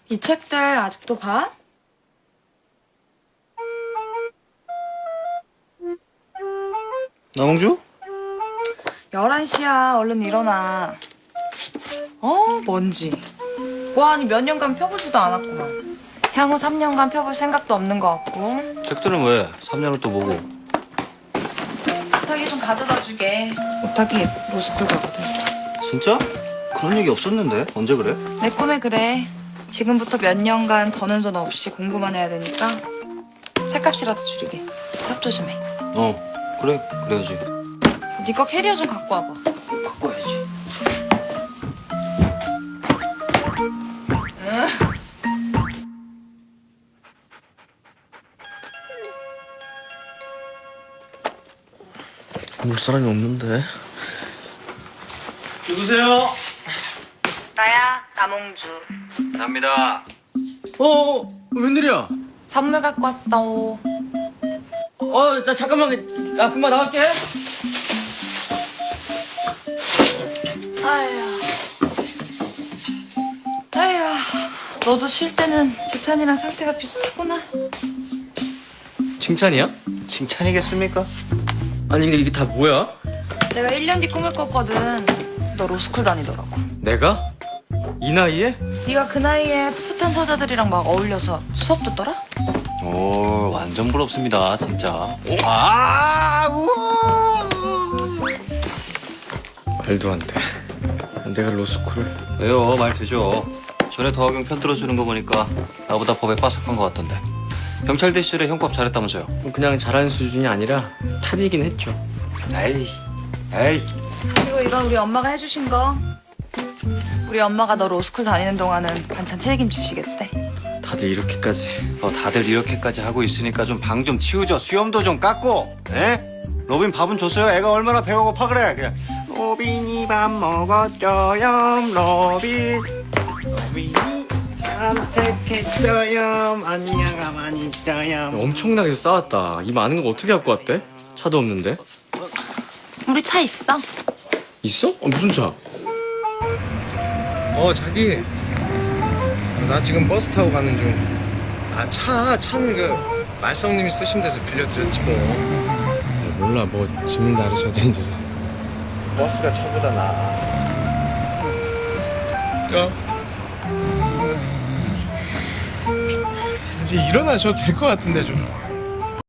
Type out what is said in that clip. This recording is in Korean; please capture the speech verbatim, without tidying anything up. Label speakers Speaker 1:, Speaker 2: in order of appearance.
Speaker 1: 이 책들 아직도 봐?
Speaker 2: 남홍주?
Speaker 1: 열한 시야. 얼른 일어나. 어, 먼지. 뭐하니 몇 년간 펴보지도 않았구만. 향후 삼 년간 펴볼 생각도 없는 것 같고.
Speaker 2: 책들은 왜? 삼 년을 또 보고.
Speaker 1: 오탁이 좀 가져다 주게. 오탁이 로스쿨 가거든.
Speaker 2: 진짜? 그런 얘기 없었는데 언제 그래?
Speaker 1: 내 꿈에 그래. 지금부터 몇 년간 버는 돈 없이 공부만 해야 되니까 책값이라도 줄이게. 협조 좀 해.
Speaker 2: 어 그래 그래야지.
Speaker 1: 네 거 캐리어 좀 갖고 와봐.
Speaker 2: 갖고 와야지.
Speaker 3: 볼 사람이 없는데.
Speaker 4: 누구세요?
Speaker 1: 나야, 남홍주.
Speaker 2: 갑니다.
Speaker 4: 어, 어, 웬일이야?
Speaker 1: 선물 갖고 왔어.
Speaker 4: 어, 나 잠깐만, 야, 금방 나갈게.
Speaker 1: 아휴. 아휴. 너도 쉴 때는 재찬이랑 상태가 비슷하구나.
Speaker 4: 칭찬이야?
Speaker 2: 칭찬이겠습니까?
Speaker 4: 아니, 근데 이게 다 뭐야?
Speaker 1: 내가 일 년 뒤 꿈을 꿨거든. 너 로스쿨 다니더라고.
Speaker 4: 내가? 이 나이에?
Speaker 1: 네가 그 나이에 풋풋한 서자들이랑 막 어울려서 수업 듣더라?
Speaker 2: 오 완전 부럽습니다 진짜. 아 우와.
Speaker 4: 말도 안 돼. 내가 로스쿨을?
Speaker 2: 왜요? 말 되죠. 전에 더하경 편 들어주는 거 보니까 나보다 법에 빠삭한 것 같던데. 경찰 대시절에 형법 잘했다면서요?
Speaker 4: 그냥 잘하는 수준이 아니라 탑이긴 했죠.
Speaker 2: 에이 에이.
Speaker 1: 그리고 이건 우리 엄마가 해주신 거. 우리 엄마가 너 로스쿨 다니는 동안은 반찬 책임지시겠대.
Speaker 4: 다들 이렇게까지.
Speaker 2: 뭐 다들 이렇게까지 하고 있으니까 좀 방 좀 치우죠. 수염도 좀 깎고. 에? 로빈 밥은 줬어요? 애가 얼마나 배고파 그래. 그냥 로빈이 밥 먹었죠요. 로빈. 로빈이 깜짝했어요. 아니야 가만히 있어요.
Speaker 4: 엄청나게 싸웠다. 이 많은 거 어떻게 갖고 왔대? 차도 없는데.
Speaker 1: 우리 차 있어.
Speaker 4: 있어? 어, 무슨 차?
Speaker 3: 어 자기. 나 지금 버스 타고 가는 중. 아 차 차는 그 말썽님이 쓰신 데서 빌려드렸지 뭐. 아, 몰라 뭐 짐을 나르셔야 되는 데서. 버스가 차보다 나아. 어. 이제 일어나셔도 될 것 같은데 좀.